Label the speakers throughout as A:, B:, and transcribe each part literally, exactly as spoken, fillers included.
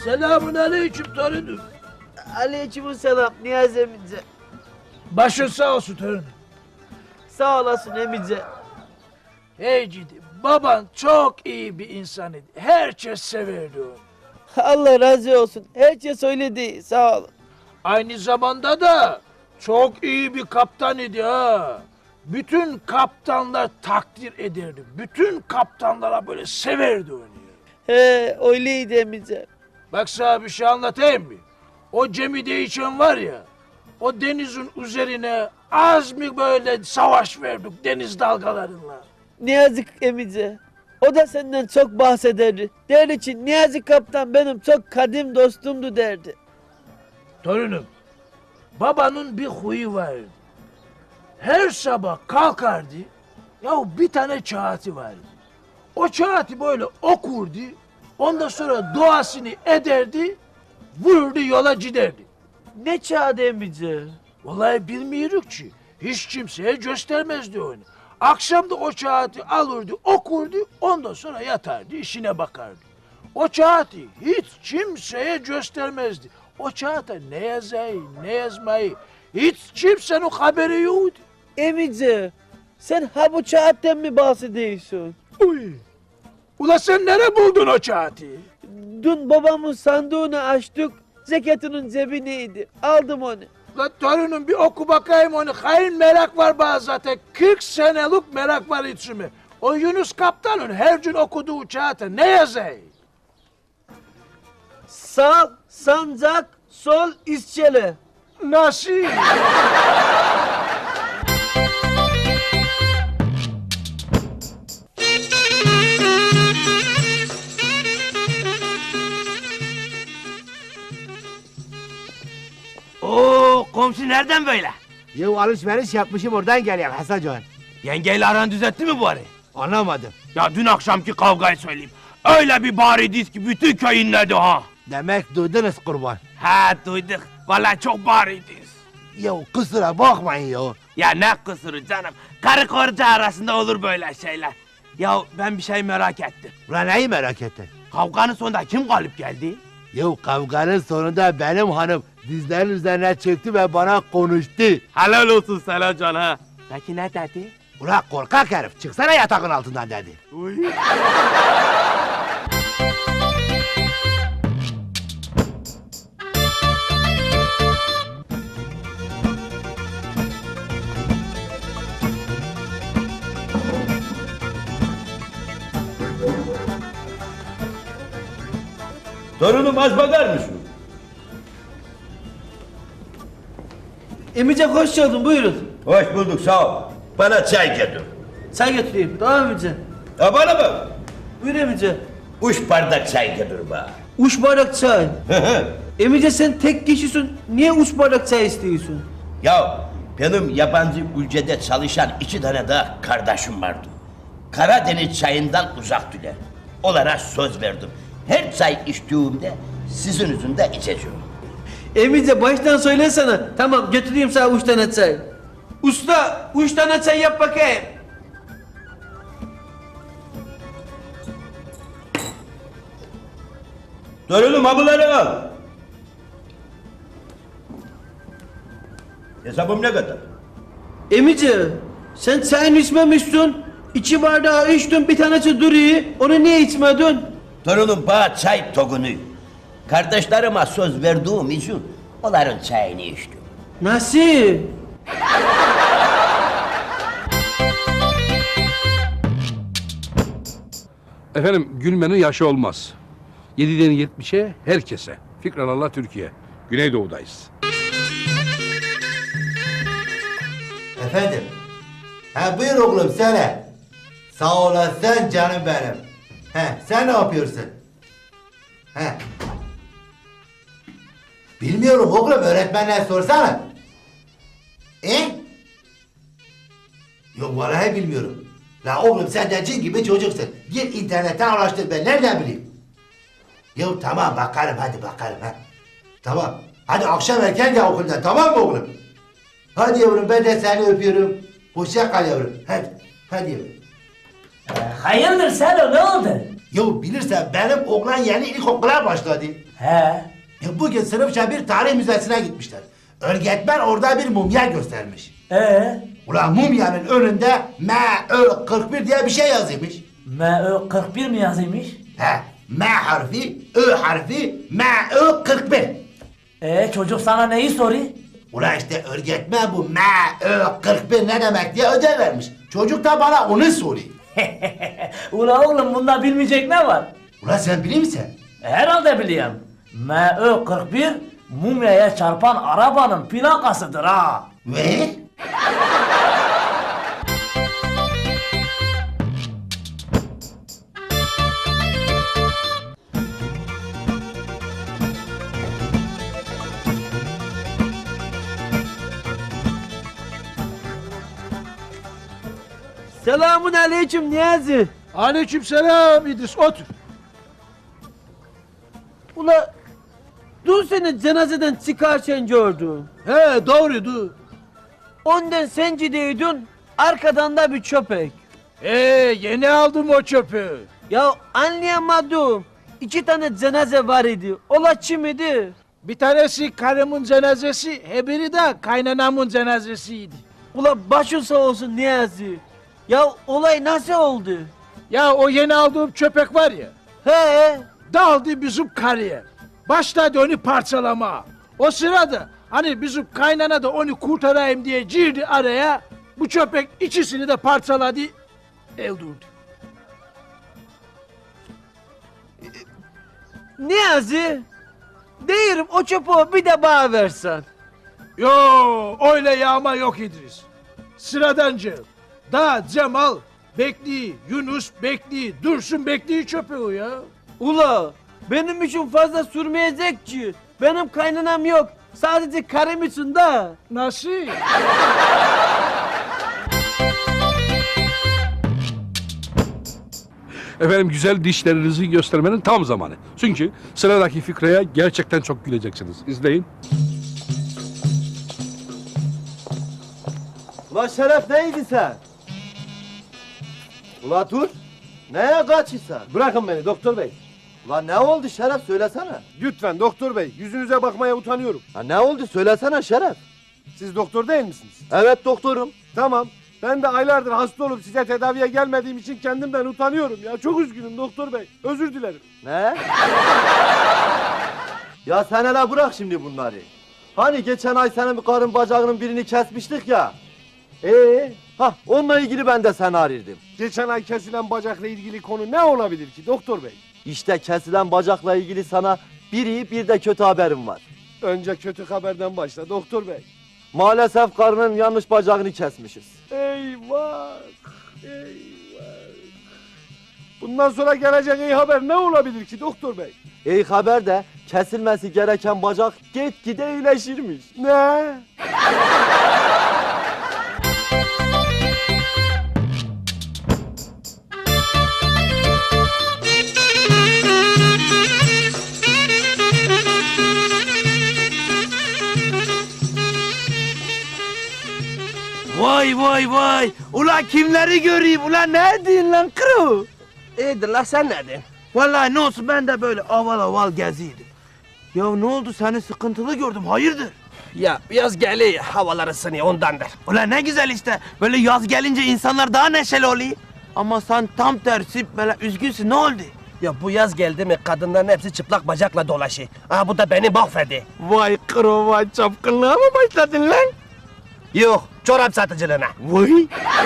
A: Selamun aleyküm torunum.
B: Aleykümselam Niyazi emice.
A: Başın sağ olsun torunum.
B: Sağ olasın emice.
A: Hey cidi, baban çok iyi bir insan idi. Herkes severdi onu.
B: Allah razı olsun. Herkes söyledi. Sağ ol.
A: Aynı zamanda da çok iyi bir kaptan idi ha. Bütün kaptanlar takdir ederdi. Bütün kaptanlara böyle severdi onu.
B: He öyleydi emice.
A: Bak sana bir şey anlatayım mı? O gemide için var ya, o denizin üzerine az mı böyle savaş verdik deniz dalgalarıyla.
B: Niyazi emice. O da senden çok bahsederdi. Derdi ki Niyazi kaptan benim çok kadim dostumdu derdi.
A: Torunum, babanın bir huyu vardı. Her sabah kalkardı, ya bir tane kağıtı vardı. O kağıtı böyle okurdu, ondan sonra duasını ederdi, vururdu yola giderdi.
B: Ne çağdı emice?
A: Vallahi bilmiyoruz ki, hiç kimseye göstermezdi onu. Akşam da o kağıtı alırdı, okurdu, ondan sonra yatardı, işine bakardı. O kağıtı hiç kimseye göstermezdi. O kağıta ne yazayı, ne yazmayı, hiç kimsenin haberi yoktu.
B: Emice sen ha bu kağıttan mi bahsediyorsun?
A: Uy! Ula sen nereye buldun o kağıtı?
B: Dün babamın sandığını açtık. Ceketinin cebindeydi. Aldım onu.
A: La torunum bir oku bakayım onu. Hayır merak var bana zaten. kırk senelik merak var içime. O Yunus Kaptan'ın her gün okuduğu kağıta ne yazayı?
B: Sağ, sancak, sol, isçele.
A: Nasıl?
C: Oo, komşu nereden böyle?
D: Ya alışveriş yapmışım oradan geliyorum Hasan Can.
C: Yengeyle aran düzeltti mi bari?
D: Anlamadım.
C: Ya dün akşamki kavgayı söyleyeyim. Öyle bir bağırıydı ki bütün köy inledi ha.
D: Demek duydunuz kurban.
C: Ha duyduk. Vallahi çok bağırıydınız.
D: Ya kusura bakmayın ya.
C: Ya ne kusuru canım. Karı koca arasında olur böyle şeyler. Ya ben bir şey merak ettim.
D: Ulan neyi merak ettin?
C: Kavganın sonunda kim galip geldi?
D: Ya kavganın sonunda benim hanım dizlerinin üzerine çöktü ve bana konuştu.
C: Helal olsun sana can ha. Peki ne dedi?
D: Ulan korkak herif çıksana yatağın altından dedi.
C: Uy.
E: Torunum az bakar mısın?
B: Emice hoş geldin buyurun.
E: Hoş bulduk sağ ol. Bana çay getir.
B: Çay götüreyim. Tamam Emice.
E: Ha bana bak.
B: Buyur Emice.
E: Üç bardak çay getir bana.
B: Üç bardak çay. Emice sen tek kişisin. Niye üç bardak çay istiyorsun?
E: Ya benim yabancı ülkede çalışan iki tane daha kardeşim vardı. Karadeniz çayından uzak düler. Onlara söz verdim. Her çay içtiğimde sizin yüzünde içeceğim.
B: Emice baştan söylesene. Tamam götüreyim sana üç tane çay. Usta üç tane çay yap bakayım.
E: Torunum abıları al. Hesabım ne kadar?
B: Emice sen çayını içmemişsin. İki bardağı içtin bir tanesi duruyor. Onu niye içmedin?
E: Torunum bana çay tokunu. Kardeşlerime söz verdiğim için onların çayını içtim.
B: Nasıl?
F: Efendim gülmenin yaşı olmaz. yediden yetmişe herkese. Fikrallah Türkiye. Güneydoğu'dayız.
D: Efendim? Ha buyur oğlum söyle. Sağ olasın canım benim. He sen ne yapıyorsun? He. Bilmiyorum oğlum öğretmenler sorsana. E? Yok vallahi bilmiyorum. La oğlum sen de cin gibi çocuksun. Gir internetten araştır ben nereden bileyim? Yok tamam bakarım hadi bakarım ha. Tamam. Hadi akşam erken gel okuldan tamam mı oğlum? Hadi yavrum ben de seni öpüyorum. Hoşça kal yavrum. Hadi. Hadi yavrum.
G: Hayırdır Selo ne oldu?
D: Ya bilirsen benim oğlan yeni ilkokula başladı.
G: He.
D: Ya bugün sınıfça bir tarih müzesine gitmişler. Öğretmen orada bir mumya göstermiş.
G: Ee?
D: Ulan mumyanın önünde M Ö kırk bir diye bir şey yazıymış.
G: M Ö kırk bir mi yazıymış?
D: He, M harfi, Ö harfi, M Ö kırk bir.
G: Ee çocuk sana neyi soruyor?
D: Ulan işte öğretmen bu M Ö kırk bir ne demek diye ödev vermiş. Çocuk da bana onu soruyor.
G: Ula oğlum bunda bilmeyecek ne var?
D: Ulan sen biliyor musun?
G: Herhalde biliyorum. M Ö kırk bir mumyaya çarpan arabanın plakasıdır ha.
D: Ve?
B: Selamun aleyküm Niyazi.
A: Aleykümselam İdris, otur.
B: Ula dün seni cenazeden çıkarken gördüm.
A: He, doğruydu.
B: Ondan sen gidiydin, arkadan da bir köpek.
A: Ee, yeni aldım o çöpü.
B: Ya anlayamadım. İki tane cenaze var idi. Ola kim idi?
A: Bir tanesi karımın cenazesi, hebiri de kaynanamın cenazesiydi.
B: Ula başın sağ olsun Niyazi. Ya olay nasıl oldu?
A: Ya o yeni aldığım köpek var ya,
B: He?
A: daldı bizim karıya. Başladı onu parçalama. O sırada hani bizim kaynana da onu kurtarayım diye girdi araya. Bu köpek ikisini de parçaladı, öldürdü.
B: Niyazi, değilim o çöpü bir de bana versen.
A: Yo, öyle yağma yok İdris. Sıradanca. Da Cemal bekliyor, Yunus bekliyor, Dursun bekliyor çöpü ya.
B: Ula benim için fazla sürmeyecek ki. Benim kaynanam yok. Sadece karım için de.
A: Nasıl?
F: Efendim güzel dişlerinizi göstermenin tam zamanı. Çünkü sıradaki fikraya gerçekten çok güleceksiniz. İzleyin.
H: Ulan Şeref neydi sen? Ula dur. Neye kaçırsan?
I: Bırakın beni doktor bey.
H: Ulan ne oldu Şeref söylesene.
I: Lütfen doktor bey. Yüzünüze bakmaya utanıyorum.
H: Ha ne oldu söylesene Şeref.
I: Siz doktor değil misiniz?
H: Evet doktorum.
I: Tamam. Ben de aylardır hasta olup size tedaviye gelmediğim için kendimden utanıyorum ya. Çok üzgünüm doktor bey. Özür dilerim.
H: Ne? Ya sen hele bırak şimdi bunları. Hani geçen ay senin bir karın bacağının birini kesmiştik ya. Ee, ha onunla ilgili ben de seni arıyordum.
I: Geçen ay kesilen bacakla ilgili konu ne olabilir ki doktor bey?
H: İşte kesilen bacakla ilgili sana bir iyi bir de kötü haberim var.
I: Önce kötü haberden başla doktor bey.
H: Maalesef karının yanlış bacağını kesmişiz.
I: Eyvah! Eyvah! Bundan sonra gelecek iyi haber ne olabilir ki doktor bey?
H: İyi haber de kesilmesi gereken bacak gitgide iyileşirmiş.
I: Ne?
C: Vay vay vay. Ula kimleri göreyim? Ula ne diyorsun lan kuru?
J: İyidir la sen neredin?
C: Vallahi ne olsun ben de böyle aval aval geziydim. Ya ne oldu seni sıkıntılı gördüm hayırdır?
J: Ya yaz geliyor havalar ısınıyor ondandır.
C: Ula ne güzel işte. Böyle yaz gelince insanlar daha neşeli oluyor. Ama sen tam tersi böyle üzgünsün ne oldu?
J: Ya bu yaz geldi mi kadınların hepsi çıplak bacakla dolaşıyor. Aa bu da beni mahvedi.
C: Vay kuru vay çapkınlığa mı başladın lan?
J: Yok çorap satıcılığına.
C: Vay.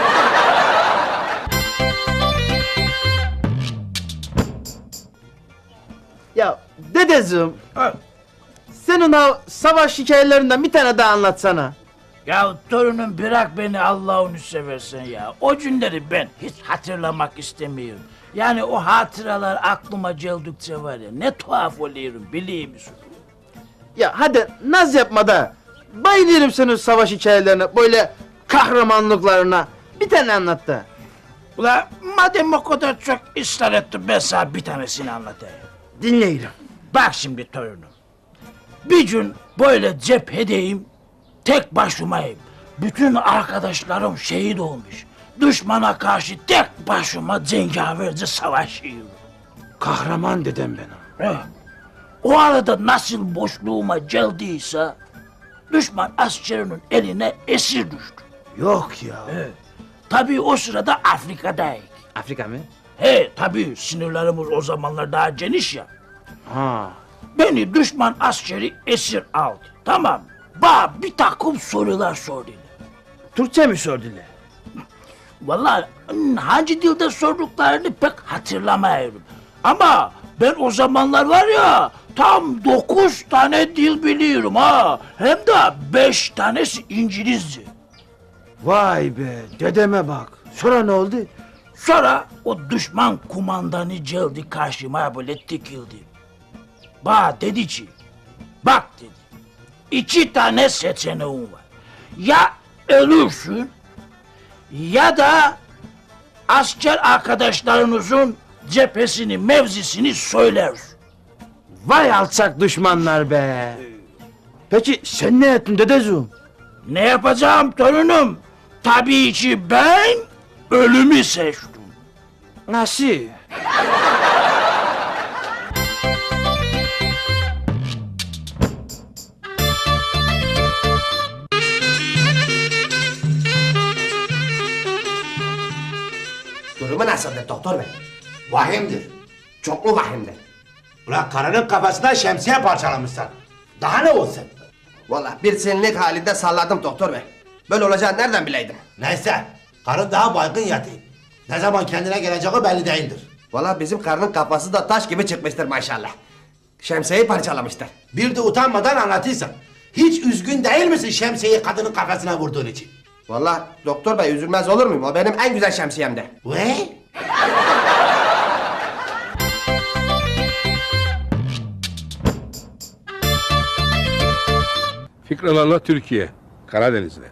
B: Ya dedeciğim. Senin o savaş hikayelerinden bir tane daha anlatsana.
A: Ya torunum bırak beni Allah'ını seversen ya. O günleri ben hiç hatırlamak istemiyorum. Yani o hatıralar aklıma geldikçe var ya ne tuhaf oluyorum biliyor musun?
B: Ya hadi naz yapma da. Bayılıyorum senin savaş hikayelerine, böyle kahramanlıklarına. Bir tane anlat da.
A: Ula madem o kadar çok ısrar ettin ben sana bir tanesini anlatayım.
B: Dinleyelim.
A: Bak şimdi torunum. Bir gün böyle cephedeyim, tek başımayım. Bütün arkadaşlarım şehit olmuş. Düşmana karşı tek başıma cengaverce savaşıyorum. Kahraman dedem benim. Eh, o arada nasıl boşluğuma geldiyse düşman askerinin eline esir düştü.
C: Yok ya.
A: Evet. Tabii o sırada Afrika'dayız.
C: Afrika mı?
A: He tabii sınırlarımız o zamanlar daha geniş ya.
C: Ha.
A: Beni düşman askeri esir aldı. Tamam. Bana bir takım sorular sordular.
C: Türkçe mi sordular?
A: Vallahi hmm, hangi dilde sorduklarını pek hatırlamıyorum. Ama ben o zamanlar var ya tam dokuz tane dil biliyorum ha. Hem de beş tanesi İngilizce.
C: Vay be, dedeme bak. Sonra ne oldu?
A: Sonra o düşman kumandanı geldi karşıma böyle dikildi. Bana dedi ki, bak dedi, iki tane seçeneğin var. Ya ölürsün ya da asker arkadaşlarınızın cephesini, mevzisini söylersin.
C: Vay alçak düşmanlar be. Peki sen ne ettin dedeciğim?
A: Ne yapacağım torunum? Tabii ki ben ölümü seçtim.
C: Nasıl?
J: Durumu nasıldır doktor bey?
D: Vahimdir.
J: Çoklu vahimdir.
D: Ulan karının kafasına şemsiye parçalamışsın. Daha ne olsun?
J: Vallahi bir senelik halinde salladım doktor bey. Böyle olacağını nereden bileydim?
D: Neyse, karın daha baygın yatıyor. Ne zaman kendine geleceği belli değildir.
J: Vallahi bizim karının kafası da taş gibi çıkmıştır maşallah. Şemsiyeyi parçalamıştır.
D: Bir de utanmadan anlatırsan. Hiç üzgün değil misin şemsiyeyi kadının kafasına vurduğun için?
J: Vallahi doktor bey üzülmez olur muyum? O benim en güzel şemsiyemdi.
D: Ve?
F: Fikralarla Türkiye, Karadeniz'de.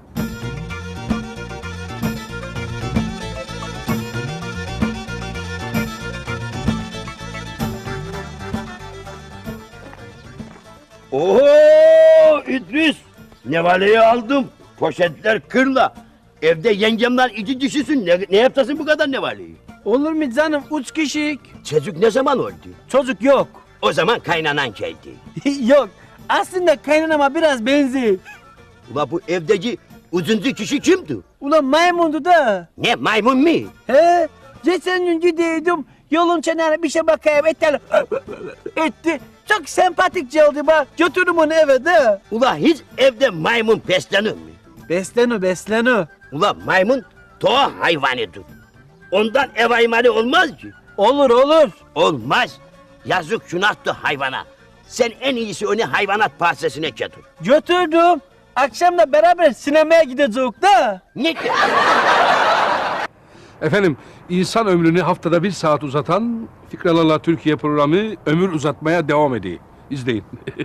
E: Oo İdris, nevaleyi aldım. Poşetler kırla. Evde yengemler iki kişisin. Ne, ne yaptasın bu kadar nevaleyi?
B: Olur mu canım? Üç kişilik.
E: Çocuk ne zaman oldu?
B: Çocuk yok.
E: O zaman kaynanan geldi.
B: Yok. Aslında kaynanama biraz benziyor.
E: Ula bu evdeki uzuncu kişi kimdi?
B: Ulan maymundu da.
E: Ne maymun mu?
B: He? Geçen gün gidiyordum. Yolun kenarına bir şey bakayım etti. etti. Çok sempatik geldi bak. Götürdüm onu eve de.
E: Ula hiç evde maymun beslenir mi?
B: Beslenu beslenu.
E: Ula maymun doğa hayvanıdır. Ondan ev hayvanı olmaz ki.
B: Olur olur.
E: Olmaz. Yazık günahtır hayvana. Sen en iyisi onu hayvanat bahçesine götür.
B: Götürdüm. Akşam da beraber sinemaya gideceğiz da.
E: Ne de?
F: Efendim, insan ömrünü haftada bir saat uzatan Fikralarla Türkiye programı ömür uzatmaya devam ediyor. İzleyin.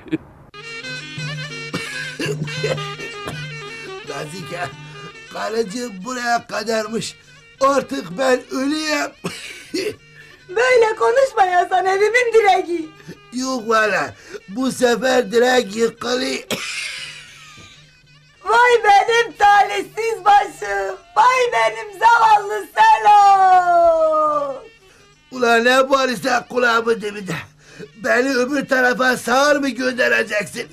D: Nazike, karıcığım buraya kadarmış. Artık ben öleyim.
K: Böyle konuşma ya, sen evimin direği.
D: Yok valla, bu sefer direkt yıkılıyor.
K: Vay benim talihsiz başım. Vay benim zavallı Selo.
D: Ulan ne bağırırsan kulağımın dibinde. Beni öbür tarafa sağır mı göndereceksin?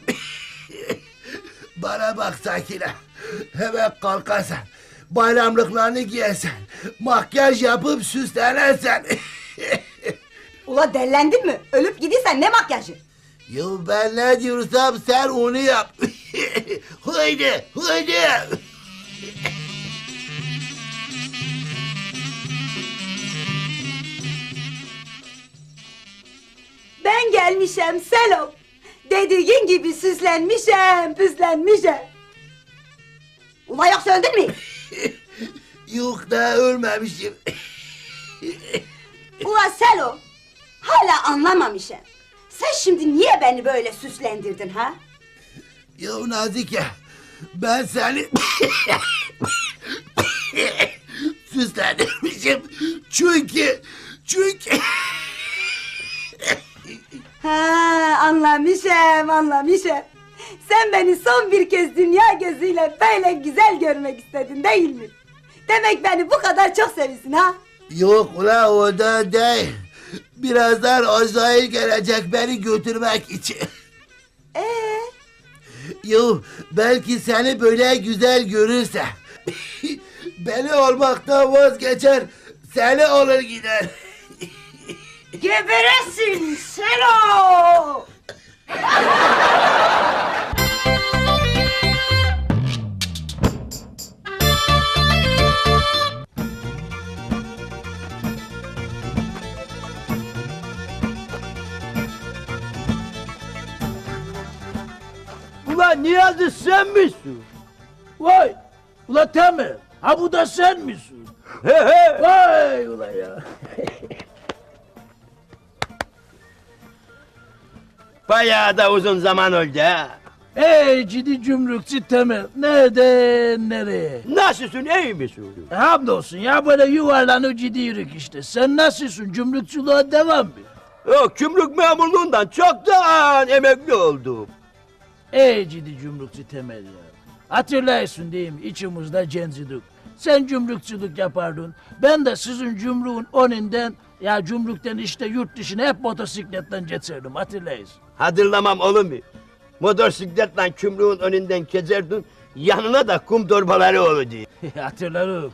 D: Bana bak Sakine. Hemen kalkarsan, bayramlıklarını giyersen, makyaj yapıp süslenirsen.
K: Ula dellendin mi? Ölüp gidiysen ne makyajı?
D: Ya ben ne diyorsam sen onu yap. Haydi, haydi.
K: Ben gelmişem Selo. Dediğin gibi süslenmişem, püslenmişem. Ula yoksa öldün mü?
D: Yok da ölmemişim.
K: Ula Selo, hala anlamamışım. Sen şimdi niye beni böyle süslendirdin ha?
D: Ya Nazike, ben seni süslendirmişim. Çünkü, çünkü...
K: Ha, anlamışım, anlamışım. Sen beni son bir kez dünya gözüyle böyle güzel görmek istedin değil mi? Demek beni bu kadar çok seviyorsun ha?
D: Yok ula o da değil. Birazdan Azrail gelecek beni götürmek için.
K: Ee,
D: Yo, belki seni böyle güzel görürse beni olmaktan vazgeçer, seni alır gider.
K: geberesin sen o!
A: Ulan Niyazi sen misin? Vay! Ula Temel, ha bu da sen misin?
E: He he.
A: Vay ula ya!
E: Bayağı da uzun zaman oldu ha.
A: Ey ciddi cümrükçü Temel, nereden nereye?
E: Nasılsın, iyi misin?
A: E, hamdolsun ya, böyle yuvarlanıp gidiyoruz işte. Sen nasılsın, cümrükçülüğe devam mı?
E: Yok, gümrük memurluğundan çoktan emekli oldum.
A: Ey ciddi cümrükçü Temel ya. Hatırlıyorsun değil mi, içimizde gencidik. Sen cümrükçülük yapardın, ben de sizin cümrüğün önünden, ya cümrükten işte yurt dışına hep motosikletten geçerdim, hatırlıyorsun.
E: Hatırlamam olur mu? Motosikletle gümrüğün önünden geçerdin, yanına da kum torbaları olurdu.
A: Hatırlarım.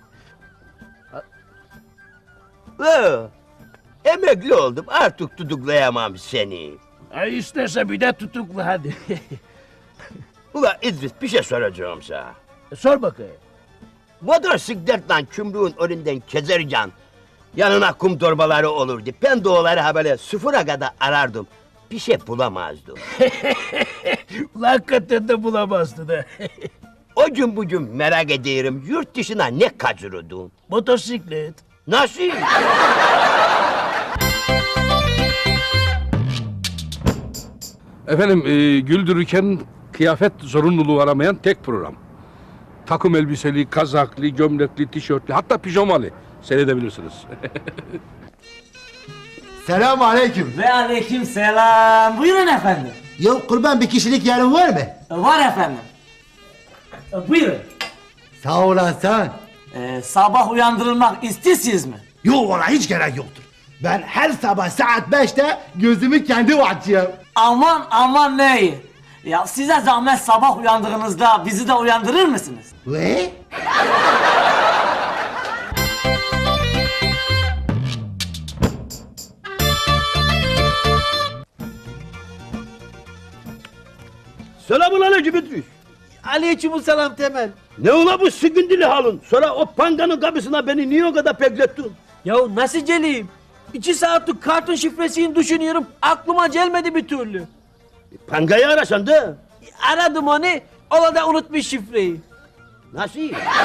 E: Ee, emekli oldum, artık tutuklayamam seni.
A: Ay isterse bir de tutuklu hadi.
E: Ula İdris, bir şey soracağım sana.
A: E, sor bakayım.
E: Motosikletle gümrüğün önünden geçerken yanına kum torbaları olurdu. Ben de onları ha böyle sıfıra kadar arardım. Bir şey bulamazdım.
A: Ulan hakikaten de bulamazdı da.
E: O gün bugün merak ediyorum, yurt dışına ne kaçırırdın?
A: Motosiklet.
E: Nasıl?
F: Efendim e, güldürürken kıyafet zorunluluğu aramayan tek program. Takım elbiseli, kazaklı, gömlekli, tişörtlü, hatta pijamalı seyredebilirsiniz.
D: Selamun aleyküm.
G: Ve aleyküm selam. Buyurun efendim.
D: Ya kurban bir kişilik yerin var mı?
G: Var efendim. Buyurun.
D: Sağ olasın.
G: Ee, sabah uyandırılmak istiyorsunuz mi?
D: Yok valla hiç gerek yoktur. Ben her sabah saat beşte gözümü kendim açıyorum.
G: Aman aman ne iyi. Ya size zahmet sabah uyandığınızda bizi de uyandırır mısınız?
D: Ve?
E: Selamun aleyküm İdris.
B: Aleykümselam Temel.
E: Ne ola bu sıkıntılı halin? Sonra o panganın kapısına beni niye o kadar beklettin?
B: Ya nasıl geleyim? İki saatlik kartın şifresini düşünüyorum. Aklıma gelmedi bir türlü.
E: Pangayı arasan da.
B: Aradım onu. O da unutmuş şifreyi.
E: Nasıl?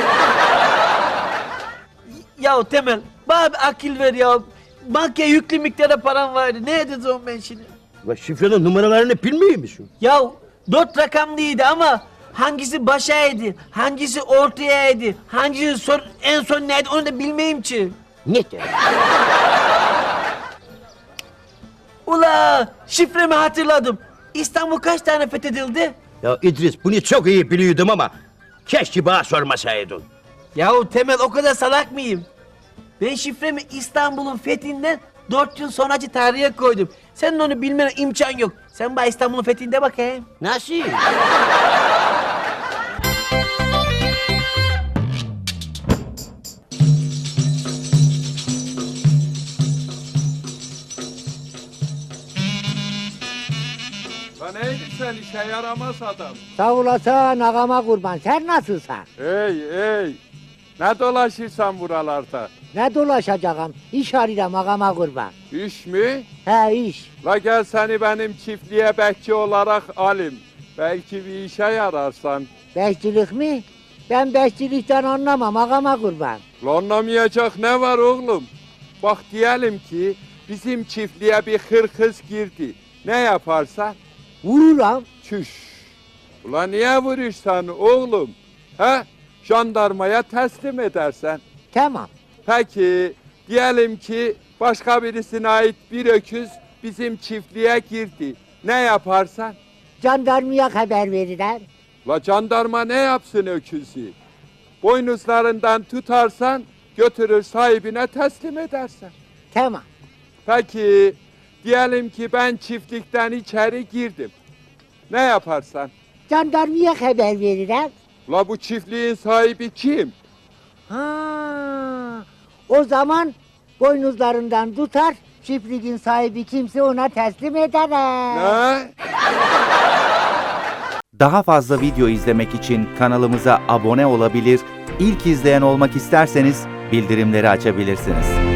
B: Ya Temel, bana bir akıl ver ya. Bankaya yüklü miktarda param vardı. Ne edeceğim ben şimdi?
E: Ve şifrenin numaralarını bilmiyor musun?
B: Ya dört rakamlıydı ama hangisi başaydı, hangisi ortayaydı, hangisi son, en son neydi onu da bilmeyim ki.
E: Ne de?
B: Ula şifremi hatırladım. İstanbul kaç tane fethedildi?
E: Ya İdris bunu çok iyi biliyordum ama keşke bana sormasaydın.
B: Yahu Temel o kadar salak mıyım? Ben şifremi İstanbul'un fethinden dört yıl sonraki tarihe koydum. Senin onu bilmene imkan yok. Sen bana İstanbul'un fethinde bakayım.
E: Nasıl?
F: Lan neydi sen, işe yaramaz adam.
L: Sağ olasın ağama kurban. Sen nasılsın?
I: Ey ey. Ne dolaşırsan buralarda?
L: Ne dolaşacağım? İş arıyorum ağama kurban.
I: İş mi?
L: He iş.
I: La gel seni benim çiftliğe bekçi olarak alayım. Belki bir işe yararsan.
L: Bekçilik mi? Ben bekçilikten anlamam ağama kurban.
I: La anlamayacak ne var oğlum? Bak diyelim ki bizim çiftliğe bir hırkız girdi. Ne yaparsan?
L: Vururam.
I: Çüş. Ulan niye vurursan oğlum? He? Jandarmaya teslim edersen.
L: Tamam.
I: Peki diyelim ki başka birisine ait bir öküz bizim çiftliğe girdi. Ne yaparsan?
L: Jandarmaya haber verirler.
I: La jandarma ne yapsın öküzü? Boynuzlarından tutarsan götürür sahibine teslim edersen.
L: Tamam.
M: Peki, diyelim ki ben çiftlikten içeri girdim. Ne yaparsan?
L: Jandarmaya haber veririm.
M: La bu çiftliğin sahibi kim?
L: Ha, o zaman boynuzlarından tutar, çiftliğin sahibi kimse ona teslim ederim.
M: Ne?
N: Daha fazla video izlemek için kanalımıza abone olabilir, ilk izleyen olmak isterseniz bildirimleri açabilirsiniz.